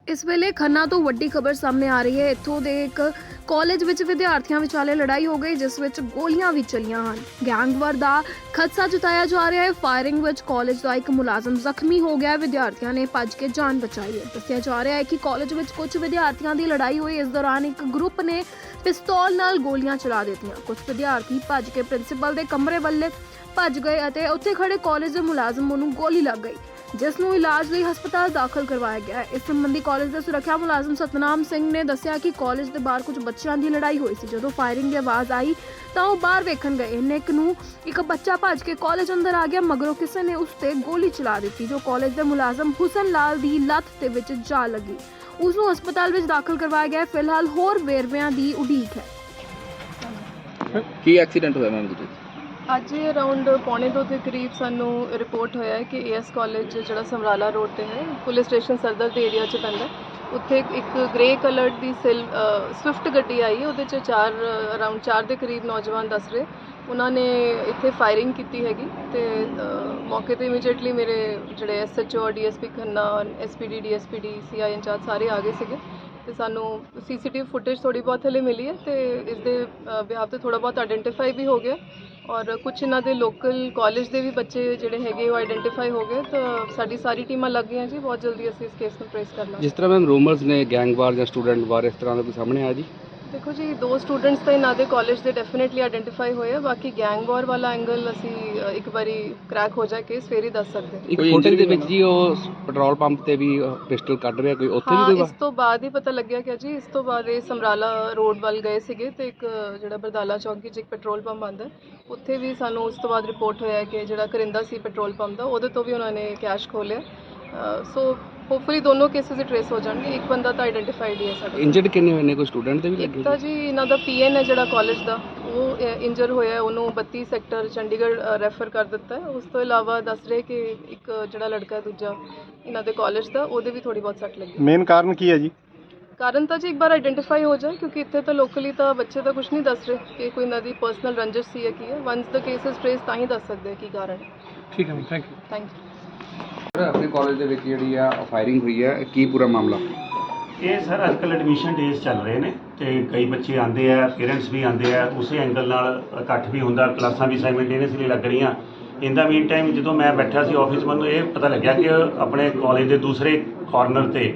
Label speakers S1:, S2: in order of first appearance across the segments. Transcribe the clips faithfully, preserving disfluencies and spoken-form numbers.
S1: इस वेले खन्ना तो वड्डी खबर सामने आ रही है। इत्थों दे एक ਕਾਲਜ ਵਿੱਚ ਵਿਦਿਆਰਥੀਆਂ ਵਿਚਾਲੇ ਲੜਾਈ ਹੋ ਗਈ, ਜਿਸ ਵਿੱਚ ਗੋਲੀਆਂ ਵੀ ਚੱਲੀਆਂ ਹਨ। ਗੈਂਗਵਾਰ ਦਾ ਖਦਸ਼ਾ ਜਤਾਇਆ ਜਾ ਰਿਹਾ ਹੈ। ਫਾਇਰਿੰਗ ਵਿੱਚ ਕਾਲਜ ਦਾ ਇੱਕ ਮੁਲਾਜ਼ਮ ਜ਼ਖਮੀ ਹੋ ਗਿਆ। ਵਿਦਿਆਰਥੀਆਂ ਨੇ ਭੱਜ ਕੇ ਜਾਨ ਬਚਾਈ ਹੈ। ਦੱਸਿਆ ਜਾ ਰਿਹਾ ਹੈ ਕਿ ਕਾਲਜ ਵਿੱਚ ਕੁਝ ਵਿਦਿਆਰਥੀਆਂ ਦੀ ਲੜਾਈ ਹੋਈ। ਇਸ ਦੌਰਾਨ ਇੱਕ ਗਰੁੱਪ ਨੇ ਪਿਸਤੌਲ ਨਾਲ ਗੋਲੀਆਂ ਚਲਾ ਦਿੱਤੀਆਂ। ਕੁਝ ਵਿਦਿਆਰਥੀ ਭੱਜ ਕੇ ਪ੍ਰਿੰਸੀਪਲ ਦੇ ਕਮਰੇ ਵੱਲ ਭੱਜ ਗਏ ਅਤੇ ਉੱਥੇ ਖੜੇ ਕਾਲਜ ਦੇ ਮੁਲਾਜ਼ਮ ਨੂੰ ਗੋਲੀ ਲੱਗ ਗਈ, ਜਿਸ ਨੂੰ ਇਲਾਜ ਲਈ ਹਸਪਤਾਲ ਦਾਖਲ ਕਰਵਾਇਆ ਗਿਆ ਹੈ। ਇਸ ਸੰਬੰਧੀ ਕਾਲਜ ਦੇ ਸੁਰੱਖਿਆ ਮੁਲਾਜ਼ਮ ਸਤਨਾਮ ਸਿੰਘ ਨੇ ਦੱਸਿਆ ਕਿ ਕਾਲਜ ਦੇ ਬਾਹਰ ਕੁਝ ਬੱਚਿਆਂ ਦੀ ਲੜਾਈ ਹੋਈ ਸੀ। ਜਦੋਂ ਫਾਇਰਿੰਗ ਦੀ ਆਵਾਜ਼ ਆਈ ਤਾਂ ਉਹ ਬਾਹਰ ਵੇਖਣ ਗਏ। ਇੰਨੇ ਇੱਕ ਨੂੰ ਇੱਕ ਬੱਚਾ ਭੱਜ ਕੇ ਕਾਲਜ ਅੰਦਰ ਆ ਗਿਆ। ਮਗਰੋਂ ਕਿਸੇ ਨੇ ਉਸ ਤੇ ਗੋਲੀ ਚਲਾ ਦਿੱਤੀ, ਜੋ ਕਾਲਜ ਦੇ ਮੁਲਾਜ਼ਮ ਹੁਸਨ ਲਾਲ ਦੀ ਲੱਤ ਦੇ ਵਿੱਚ ਜਾ ਲੱਗੀ। ਉਸ ਨੂੰ ਹਸਪਤਾਲ ਵਿੱਚ ਦਾਖਲ ਕਰਵਾਇਆ ਗਿਆ। ਫਿਲਹਾਲ ਹੋਰ ਵੇਰਵਿਆਂ ਦੀ ਉਡੀਕ ਹੈ।
S2: ਕੀ ਐਕਸੀਡੈਂਟ ਹੋਇਆ ਮੈਮ ਜੀ?
S3: ਅੱਜ ਅਰਾਊਂਡ ਪੌਣੇ ਦੋ ਦੇ ਕਰੀਬ ਸਾਨੂੰ ਰਿਪੋਰਟ ਹੋਇਆ ਹੈ ਕਿ ਏਐਸ ਕਾਲਜ ਜਿਹੜਾ ਸਮਰਾਲਾ ਰੋਡ ਤੇ ਹੈ, ਪੁਲਿਸ ਸਟੇਸ਼ਨ ਸਰਦਰ ਦੇ ਏਰੀਆ 'ਚ ਪੈਂਦਾ, ਉੱਥੇ ਇੱਕ ਗ੍ਰੇ ਕਲਰਡ ਦੀ ਸਿਲ ਸਵਿਫਟ ਗੱਡੀ ਆਈ। ਉਹਦੇ 'ਚ ਚਾਰ ਅਰਾਊਂਡ ਚਾਰ ਦੇ ਕਰੀਬ ਨੌਜਵਾਨ ਦੱਸ ਰਹੇ ਉਹਨਾਂ ਨੇ ਇੱਥੇ ਫਾਇਰਿੰਗ ਕੀਤੀ ਹੈਗੀ ਤੇ ਮੌਕੇ ਤੇ ਇਮੀਡੀਏਟਲੀ ਮੇਰੇ ਜਿਹੜੇ SHO, DSP Khanna, SPD, DSPD, CI incharge ਸਾਰੇ ਆ ਗਏ ਸੀਗੇ ਤੇ ਸਾਨੂੰ ਸੀਸੀਟੀਵੀ ਫੁਟੇਜ ਥੋੜੀ ਬਹੁਤ ਹਲੇ ਮਿਲੀ ਹੈ ਤੇ ਇਸ ਦੇ ਬਿਹਾਵ ਤੇ ਥੋੜਾ ਬਹੁਤ ਆਇਡੈਂਟੀਫਾਈ ਵੀ ਹੋ ਗਿਆ ਔਰ ਕੁਛ ਇਹਨਾਂ ਦੇ ਲੋਕਲ ਕਾਲਜ ਦੇ ਵੀ ਬੱਚੇ ਜਿਹੜੇ ਹੈਗੇ ਉਹ ਆਇਡੈਂਟੀਫਾਈ ਹੋ ਗਏ। ਤਾਂ ਸਾਡੀ ਸਾਰੀ ਟੀਮਾਂ ਲੱਗ ਗਈਆਂ ਜੀ, ਬਹੁਤ ਜਲਦੀ ਅਸੀਂ ਇਸ ਕੇਸ ਨੂੰ ਟ੍ਰੇਸ ਕਰਨਾ।
S2: ਜਿਸ ਤਰ੍ਹਾਂ ਮੈਮ ਰੂਮਰਸ ਨੇ ਗੈਂਗਵਾਰ ਜਾਂ ਸਟੂਡੈਂਟ ਵਾਰ ਇਸ ਤਰ੍ਹਾਂ ਦਾ ਕੋਈ ਸਾਹਮਣੇ ਆਇਆ ਜੀ?
S3: ਦੇਖੋ ਜੀ, ਦੋ ਸਟੂਡੈਂਟਸ ਤਾਂ ਇਹਨਾਂ ਦੇ ਕਾਲਜ ਦੇ ਡੈਫੀਨੇਟਲੀ ਆਇਡੈਂਟੀਫਾਈ ਹੋਏ ਆ। ਬਾਕੀ ਗੈਂਗਵਾਰ ਵਾਲਾ ਐਂਗਲ ਅਸੀਂ ਇੱਕ ਵਾਰੀ ਕ੍ਰੈਕ ਹੋ ਜਾਏ ਕੇਸ ਫੇਰ ਹੀ ਦੱਸ ਸਕਦੇ ਹਾਂ।
S2: ਇੱਕ ਫੁਟੇਜ ਦੇ ਵਿੱਚ ਜੀ ਉਹ ਪੈਟਰੋਲ ਪੰਪ ਤੇ ਵੀ ਪਿਸਟਲ ਕੱਢ ਰਿਹਾ, ਕੋਈ ਉੱਥੇ ਵੀ ਕੋਈ?
S3: ਇਸ ਤੋਂ ਬਾਅਦ ਹੀ ਪਤਾ ਲੱਗਿਆ ਕਿ ਜੀ ਇਸ ਤੋਂ ਬਾਅਦ ਇਹ ਸਮਰਾਲਾ ਰੋਡ ਵੱਲ ਗਏ ਸੀਗੇ ਤੇ ਇੱਕ ਜਿਹੜਾ ਬਰਦਾਲਾ ਚੌਂਕੀ 'ਚ ਇੱਕ ਪੈਟਰੋਲ ਪੰਪ ਆਉਂਦਾ, ਉੱਥੇ ਵੀ ਸਾਨੂੰ ਉਸ ਤੋਂ ਬਾਅਦ ਰਿਪੋਰਟ ਹੋਇਆ ਕਿ ਜਿਹੜਾ ਕਰਿੰਦਾ ਸੀ ਪੈਟਰੋਲ ਪੰਪ ਦਾ, ਉਹਦੇ ਤੋਂ ਵੀ ਉਹਨਾਂ ਨੇ ਕੈਸ਼ ਖੋਲਿਆ। ਸੋ ਹੋਪਫੁਲੀ ਦੋਨੋਂ ਕੇਸਿਸ ਟ੍ਰੇਸ ਹੋ ਜਾਣਗੇ। ਇੱਕ ਬੰਦਾ ਤਾਂ ਆਇਡੈਂਟੀਫਾਈਡ ਹੀ ਹੈ ਸਾਡਾ।
S2: ਇੰਜਰਡ ਕਿੰਨੇ ਹੋਏ ਨੇ? ਕੋਈ ਸਟੂਡੈਂਟ ਦੇ ਵੀ ਲੱਗੇ?
S3: ਇੱਕ ਤਾਂ ਜੀ ਇਹਨਾਂ ਦਾ ਪੀਐਨ ਹੈ ਜਿਹੜਾ ਕਾਲਜ ਦਾ, ਉਹ ਇੰਜਰ ਹੋਇਆ, ਉਹਨੂੰ ਬੱਤੀ ਸੈਕਟਰ ਚੰਡੀਗੜ੍ਹ ਰੈਫਰ ਕਰ ਦਿੱਤਾ ਹੈ। ਉਸ ਤੋਂ ਇਲਾਵਾ ਦੱਸ ਰਹੇ ਕਿ ਇੱਕ ਜਿਹੜਾ ਲੜਕਾ ਦੂਜਾ ਇਹਨਾਂ ਦੇ ਕਾਲਜ ਦਾ, ਉਹਦੇ ਵੀ ਥੋੜੀ ਬਹੁਤ ਸੱਟ ਲੱਗੀ।
S4: ਮੇਨ ਕਾਰਨ ਕੀ ਹੈ ਜੀ?
S3: ਕਾਰਨ ਤਾਂ ਜੀ ਇੱਕ ਵਾਰ ਆਇਡੈਂਟੀਫਾਈ ਹੋ ਜਾਏ, ਕਿਉਂਕਿ ਇੱਥੇ ਤਾਂ ਲੋਕਲੀ ਤਾਂ ਬੱਚੇ ਤਾਂ ਕੁਝ ਨਹੀਂ ਦੱਸ ਰਹੇ ਕਿ ਕੋਈ ਇਹਨਾਂ ਦੀ ਪਰਸਨਲ ਰੰਜਿਸ਼ ਸੀ ਜਾਂ ਕੀ ਹੈ। ਵਨਸ ਦਾ ਕੇਸਿਸ ਟ੍ਰੇਸ ਤਾਂ ਹੀ ਦੱਸ ਸਕਦੇ ਕੀ ਕਾਰਨ ਹੈ।
S4: ਠੀਕ ਹੈ ma'am, thank you.
S3: Thank you.
S2: ਆਪਣੇ ਕਾਲਜ ਦੇ ਵਿੱਚ ਜਿਹੜੀ ਆ ਫਾਇਰਿੰਗ ਹੋਈ ਹੈ, ਕੀ ਪੂਰਾ ਮਾਮਲਾ?
S5: ਇਹ ਸਰ ਅੱਜ ਕੱਲ੍ਹ ਐਡਮਿਸ਼ਨ ਡੇਜ਼ ਚੱਲ ਰਹੇ ਨੇ ਤੇ ਕਈ ਬੱਚੇ ਆਉਂਦੇ ਆ, ਪੇਰੈਂਟਸ ਵੀ ਆਉਂਦੇ ਆ, ਉਸੇ ਐਂਗਲ ਨਾਲ ਇਕੱਠ ਵੀ ਹੁੰਦਾ, ਕਲਾਸਾਂ ਵੀ ਸਾਈਮਲਟੇਨੀਅਸਲੀ ਲੱਗ ਰਹੀਆਂ। ਇਨ ਦਾ ਮੀਨ ਟਾਈਮ ਜਦੋਂ ਮੈਂ ਬੈਠਾ ਸੀ ਆਫਿਸ, ਮੈਨੂੰ ਇਹ ਪਤਾ ਲੱਗਿਆ ਕਿ ਆਪਣੇ ਕਾਲਜ ਦੇ ਦੂਸਰੇ ਕਾਰਨਰ 'ਤੇ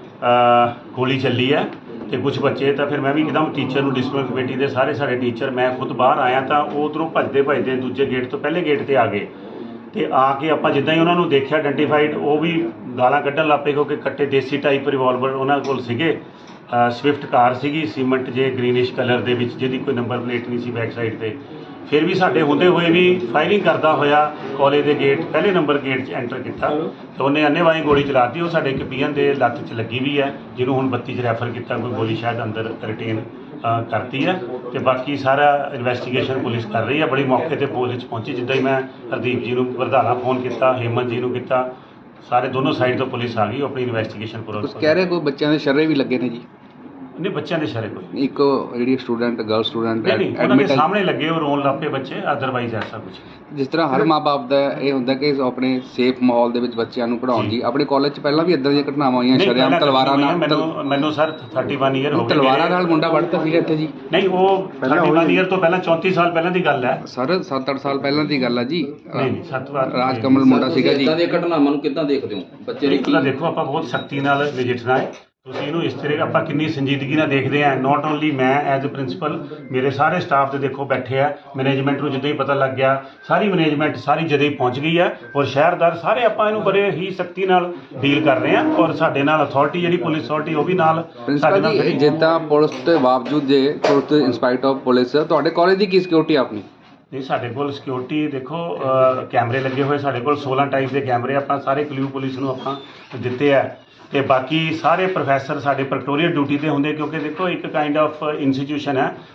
S5: ਗੋਲੀ ਚੱਲੀ ਹੈ ਤੇ ਕੁਝ ਬੱਚੇ, ਤਾਂ ਫਿਰ ਮੈਂ ਵੀ ਇੱਕਦਮ ਟੀਚਰ ਨੂੰ, ਡਿਸਪਲਿਨ ਕਮੇਟੀ ਦੇ ਸਾਰੇ ਸਾਡੇ ਟੀਚਰ, ਮੈਂ ਖੁਦ ਬਾਹਰ ਆਇਆ ਤਾਂ ਉਹ ਉੱਧਰੋਂ ਭੱਜਦੇ ਭੱਜਦੇ ਦੂਜੇ ਗੇਟ ਤੋਂ ਪਹਿਲੇ ਗੇਟ 'ਤੇ ਆ ਗਏ ਤੇ ਆ ਕੇ ਆਪਾਂ ਜਿੱਦਾਂ ਹੀ ਉਹਨਾਂ ਨੂੰ ਦੇਖਿਆ ਆਇਡੈਂਟੀਫਾਈਡ, ਉਹ ਵੀ ਗਾਲਾਂ ਕੱਢਣ ਲੱਗ ਪਏ ਕਿਉਂਕਿ ਕੱਟੇ ਦੇਸੀ ਟਾਈਪ ਰਿਵਾਲਵਰ ਉਹਨਾਂ ਕੋਲ ਸੀਗੇ। ਸਵਿਫਟ ਕਾਰ ਸੀਗੀ ਸੀਮੈਂਟ ਜੇ ਗ੍ਰੀਨਿਸ਼ ਕਲਰ ਦੇ ਵਿੱਚ, ਜਿਹਦੀ ਕੋਈ ਨੰਬਰ ਪਲੇਟ ਨਹੀਂ ਸੀ ਬੈਕ ਸਾਈਡ 'ਤੇ। ਫਿਰ ਵੀ ਸਾਡੇ ਹੁੰਦੇ ਹੋਏ ਵੀ ਫਾਇਰਿੰਗ ਕਰਦਾ ਹੋਇਆ ਕਾਲਜ ਦੇ ਗੇਟ, ਪਹਿਲੇ ਨੰਬਰ ਗੇਟ 'ਚ ਐਂਟਰ ਕੀਤਾ ਤੇ ਉਹਨੇ ਅੰਨ੍ਹੇਵਾਹੀ ਗੋਲੀ ਚਲਾਤੀ। ਉਹ ਸਾਡੇ ਇੱਕ ਪੀਐਨ ਦੇ ਲੱਤ 'ਚ ਲੱਗੀ ਵੀ ਹੈ, ਜਿਹਨੂੰ ਹੁਣ ਬੱਤੀ 'ਚ ਰੈਫਰ ਕੀਤਾ। ਕੋਈ ਗੋਲੀ ਸ਼ਾਇਦ ਅੰਦਰ ਰਿਟੇਨ ਕਰਤੀ ਹੈ ਤੇ ਬਾਕੀ ਸਾਰਾ ਇਨਵੈਸਟੀਗੇਸ਼ਨ ਪੁਲਿਸ ਕਰ ਰਹੀ ਹੈ। ਬੜੀ ਮੌਕੇ ਤੇ ਪੁਲਿਸ ਪਹੁੰਚੀ, ਜਿੱਦਾਂ ਹੀ ਮੈਂ ਹਰਦੀਪ ਜੀ ਨੂੰ ਵਰਧਾਣਾ ਫੋਨ ਕੀਤਾ, ਹੇਮੰਤ ਜੀ ਨੂੰ ਕੀਤਾ, ਸਾਰੇ ਦੋਨੋਂ ਸਾਈਡ ਤੋਂ ਪੁਲਿਸ ਆ ਗਈ, ਉਹ ਆਪਣੀ ਇਨਵੈਸਟੀਗੇਸ਼ਨ ਪੂਰਾ
S2: ਕਹਿ ਰਹੇ ਕੋਈ ਬੱਚਿਆਂ ਦੇ ਸ਼ਰਰੇ ਵੀ ਲੱਗੇ ਨੇ ਜੀ?
S5: ਨਹੀਂ, ਬੱਚਿਆਂ ਦੇ ਸ਼ਰੇ ਕੋਈ
S2: ਇੱਕ ਜਿਹੜੀ ਸਟੂਡੈਂਟ, ਗਰਲ ਸਟੂਡੈਂਟ
S5: ਨਹੀਂ, ਉਹਨਾਂ ਦੇ ਸਾਹਮਣੇ ਲੱਗੇ ਉਹ ਰੋਣ ਲੱਗ ਪਏ ਬੱਚੇ, ਅਦਰਵਾਈਜ਼ ਐਸਾ ਕੁਝ।
S2: ਜਿਸ ਤਰ੍ਹਾਂ ਹਰ ਮਾਂ-ਬਾਪ ਦਾ ਇਹ ਹੁੰਦਾ ਕਿ ਆਪਣੇ ਸੇਫ ਮਾਹੌਲ ਦੇ ਵਿੱਚ ਬੱਚਿਆਂ ਨੂੰ ਪੜ੍ਹਾਉਣ ਜੀ, ਆਪਣੇ ਕਾਲਜ 'ਚ ਪਹਿਲਾਂ ਵੀ ਇਦਾਂ ਦੀਆਂ ਘਟਨਾਵਾਂ ਹੋਈਆਂ, ਸ਼ਰੇਆਮ ਤਲਵਾਰਾਂ ਨਾਲ?
S5: ਮੈਨੂੰ ਮੈਨੂੰ ਸਰ ਇਕੱਤੀ ਈਅਰ ਹੋ ਗਏ।
S2: ਤਲਵਾਰਾਂ ਨਾਲ ਮੁੰਡਾ ਵੜਤਾ ਸੀਗਾ ਇੱਥੇ ਜੀ?
S5: ਨਹੀਂ, ਉਹ ਇਕੱਤੀ ਈਅਰ ਤੋਂ ਪਹਿਲਾਂ ਚੌਂਤੀ ਸਾਲ ਪਹਿਲਾਂ ਦੀ ਗੱਲ ਹੈ
S2: ਸਰ। ਸੱਤ ਅੱਠ ਸਾਲ ਪਹਿਲਾਂ ਦੀ ਗੱਲ ਹੈ ਜੀ।
S5: ਨਹੀਂ ਨਹੀਂ, ਸੱਤ ਵਾਰ
S2: ਰਾਜ ਕਮਲ ਮੁੰਡਾ ਸੀਗਾ ਜੀ।
S6: ਇਦਾਂ ਦੀਆਂ ਘਟਨਾਵਾਂ ਨੂੰ ਕਿੱਦਾਂ ਦੇਖਦੇ ਹੋ? ਬੱਚੇ ਦੀ
S5: ਕੀ ਦੇਖੋ, ਆਪਾਂ ਬਹੁਤ ਸਖਤੀ ਨਾਲ ਨਜਿੱਠਣਾ ਹੈ। ਤੁਸੀਂ ਇਹਨੂੰ ਇਸ ਤਰ੍ਹਾਂ ਆਪਾਂ ਕਿੰਨੀ ਸੰਜੀਦਗੀ ਨਾਲ ਦੇਖਦੇ ਹਾਂ। ਨਾਟ ਓਨਲੀ ਮੈਂ ਐਜ਼ ਅ ਪ੍ਰਿੰਸੀਪਲ, ਮੇਰੇ ਸਾਰੇ ਸਟਾਫ ਦੇ ਦੇਖੋ ਬੈਠੇ ਆ। ਮੈਨੇਜਮੈਂਟ ਨੂੰ ਜਦੋਂ ਹੀ ਪਤਾ ਲੱਗ ਗਿਆ, ਸਾਰੀ ਮੈਨੇਜਮੈਂਟ ਸਾਰੀ ਜਦੇ ਹੀ ਪਹੁੰਚ ਗਈ ਹੈ ਔਰ ਸ਼ਹਿਰਦਾਰ ਸਾਰੇ ਆਪਾਂ ਇਹਨੂੰ ਬੜੇ ਹੀ ਸਖਤੀ ਨਾਲ ਡੀਲ ਕਰ ਰਹੇ ਹਾਂ ਔਰ ਸਾਡੇ ਨਾਲ ਅਥਾਰਟੀ ਜਿਹੜੀ ਪੁਲਿਸ ਅਥਾਰਟੀ ਉਹ ਵੀ ਨਾਲ ਸਾਡੇ ਨਾਲ ਖੜੀ।
S2: ਜਿੱਦਾਂ ਪੁਲਿਸ ਦੇ ਬਾਵਜੂਦ ਜੇ ਪੁਲਿਸ ਇੰਸਪਾਈਟ ਆਫ ਪੁਲਿਸ, ਤੁਹਾਡੇ ਕਾਲਜ ਦੀ ਕੀ ਸਿਕਿਉਰਿਟੀ ਆਪਣੀ?
S5: ਨਹੀਂ, ਸਾਡੇ ਕੋਲ ਸਿਕਿਉਰਿਟੀ ਦੇਖੋ ਕੈਮਰੇ ਲੱਗੇ ਹੋਏ, ਸਾਡੇ ਕੋਲ ਸੋਲਾਂ ਟਾਈਪ ਦੇ ਕੈਮਰੇ ਆਪਾਂ ਸਾਰੇ ਕਲਿਊ ਪੁਲਿਸ ਨੂੰ ਆਪਾਂ ਦਿੱਤੇ ਆ ਤੇ ਬਾਕੀ ਸਾਰੇ ਪ੍ਰੋਫੈਸਰ ਸਾਡੇ ਪ੍ਰੈਕਟੋਰੀਅਲ ਡਿਊਟੀ ਤੇ ਹੁੰਦੇ, ਕਿਉਂਕਿ ਦੇਖੋ ਇੱਕ ਕਾਈਂਡ ਆਫ ਇੰਸਟੀਟਿਊਸ਼ਨ ਹੈ।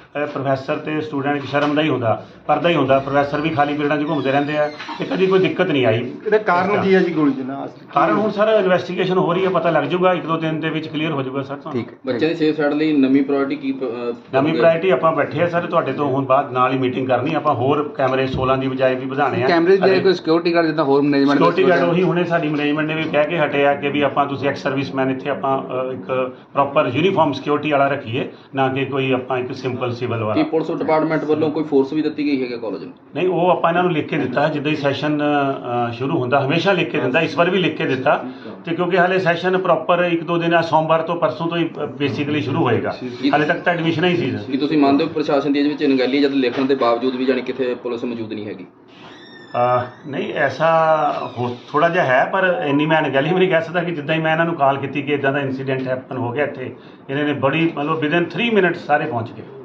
S5: ਪ੍ਰੋਫੈਸਰ ਤੇ ਸਟੂਡੈਂਟ ਸ਼ਰਮ ਦਾ ਹੀ ਹੁੰਦਾ, ਪਰਦਾ ਹੀ ਹੁੰਦਾ। ਪ੍ਰੋਫੈਸਰ ਵੀ ਖਾਲੀ ਪੀਰੀਅਡਾਂ 'ਚ ਘੁੰਮਦੇ ਰਹਿੰਦੇ ਆ ਤੇ ਕਦੀ ਕੋਈ ਦਿੱਕਤ ਨਹੀਂ ਆਈ।
S4: ਇਹਦਾ ਕਾਰਨ ਕੀ ਹੈ ਜੀ ਗੋਲੀ ਚੱਲਣਾ?
S5: ਕਾਰਨ ਹੁਣ ਸਰ ਇਨਵੈਸਟੀਗੇਸ਼ਨ ਹੋ ਰਹੀ ਹੈ, ਪਤਾ ਲੱਗ ਜਾਊਗਾ, ਇੱਕ ਦੋ ਦਿਨ ਦੇ ਵਿੱਚ ਕਲੀਅਰ ਹੋ ਜਾਊਗਾ ਸਰ ਤੁਹਾਨੂੰ।
S2: ਠੀਕ
S6: ਬੱਚਿਆਂ ਦੀ ਸੇਫ ਸਾਈਡ ਲਈ ਨਵੀਂ ਪ੍ਰਾਇੋਰਟੀ ਕੀ ਅਹ,
S5: ਨਵੀਂ ਪ੍ਰਾਇਰਟੀ ਆਪਾਂ ਬੈਠੇ ਆ ਸਰ, ਤੁਹਾਡੇ ਤੋਂ ਹੁਣ ਬਾਅਦ ਨਾਲ ਹੀ ਮੀਟਿੰਗ ਕਰਨੀ। ਆਪਾਂ ਹੋਰ ਕੈਮਰੇ ਸੋਲਾਂ ਦੀ ਬਜਾਏ ਵੀ ਵਧਾਣੇ ਆ।
S2: ਕੈਮਰੇ ਦੀ ਕੋਈ ਸਿਕਿਉਰਿਟੀ ਗਾਰਡ ਜਿੱਦਾਂ ਹੋਰ ਮੈਨੇਜਮੈਂਟ
S5: ਸਿਕਿਉਰਿਟੀ ਗਾਰਡ ਉਹੀ ਹੁਣੇ ਸਾਡੀ ਮੈਨੇਜਮੈਂਟ ਨੇ ਵੀ ਕਹਿ ਕੇ ਹਟਿਆ ਕਿ ਵੀ ਆਪਾਂ ਤੁਸੀਂ ਐਕਸ ਸਰਵਿਸਮੈਨ ਇੱਥੇ ਆਪਾਂ ਅ, ਇੱਕ ਪ੍ਰੋਪਰ ਯੂਨੀਫਾਰਮ ਸਿਕਿਉਰਿਟੀ ਵਾਲਾ ਰੱਖੀਏ, ਨਾ ਕਿ ਕੋਈ ਆਪਾਂ ਇੱਕ ਸਿੰਪਲ ਸਿਵਲ
S6: ਕੀ
S5: ਵਾਲਾ।
S6: ਪੁਲਿਸ ਡਿਪਾਰਟਮੈਂਟ ਵੱਲੋਂ ਕੋਈ ਫੋਰਸ ਵੀ ਦਿੱਤੀ ਗਈ ਹੈਗਾ ਕਾਲਜ ਨੂੰ?
S5: ਨਹੀਂ, ਉਹ ਆਪਾਂ ਇਹਨਾਂ ਨੂੰ ਲਿਖ ਕੇ ਦਿੱਤਾ ਹੈ ਜਿੱਦਾਂ ਹੀ ਸੈਸ਼ਨ ਸ਼ੁਰੂ ਹੁੰਦਾ, ਹਮੇਸ਼ਾ ਲਿਖ ਕੇ ਦਿੰਦਾ, ਇਸ ਵਾਰ ਵੀ ਲਿਖ ਕੇ ਦਿੱਤਾ। ਤੇ ਕਿਉਂਕਿ ਹਾਲੇ ਸੈਸ਼ਨ ਪ੍ਰੋਪਰ ਇੱਕ ਦੋ ਦਿਨ ਆ, ਸੋਮਵਾਰ ਤੋਂ ਪਰਸੋਂ ਤੋਂ ਹੀ ਬੇਸਿਕਲੀ ਸ਼ੁਰੂ ਹੋਏਗਾ, ਹਾਲੇ ਤੱਕ ਤਾਂ ਐਡਮਿਸ਼ਨਾਂ ਹੀ ਸੀ।
S6: ਕੀ ਤੁਸੀਂ ਮੰਨਦੇ ਹੋ ਪ੍ਰਸ਼ਾਸਨ ਦੀ ਇਹਦੇ ਵਿੱਚ ਅਣਗਹਿਲੀ ਜਦ ਲਿਖਣ ਦੇ ਬਾਵਜੂਦ ਵੀ ਜਾਣੀ ਕਿਤੇ ਪੁਲਿਸ ਮੌਜੂਦ ਨਹੀਂ ਹੈਗੀ?
S5: ਅਹ ਨਹੀਂ, ਐਸਾ ਹੋ ਥੋੜਾ ਜਿਹਾ ਹੈ, ਪਰ ਇੰਨੀ ਮੈਂ ਅਣਗਹਿਲੀ ਵੀ ਨਹੀਂ ਕਹਿ ਸਕਦਾ ਕਿ ਜਿੱਦਾਂ ਹੀ ਮੈਂ ਇਹਨਾਂ ਨੂੰ ਕਾਲ ਕੀਤੀ ਕਿ ਇਦਾਂ ਦਾ ਇਨਸੀਡੈਂਟ ਹੈਪਨ ਹੋ ਗਿਆ ਇੱਥੇ, ਇਹਨਾਂ ਨੇ ਬੜੀ ਮਤਲਬ ਵਿਦਨ ਥ੍ਰੀ ਮਿੰਟ ਸਾਰੇ ਪਹੁੰਚ ਗਏ।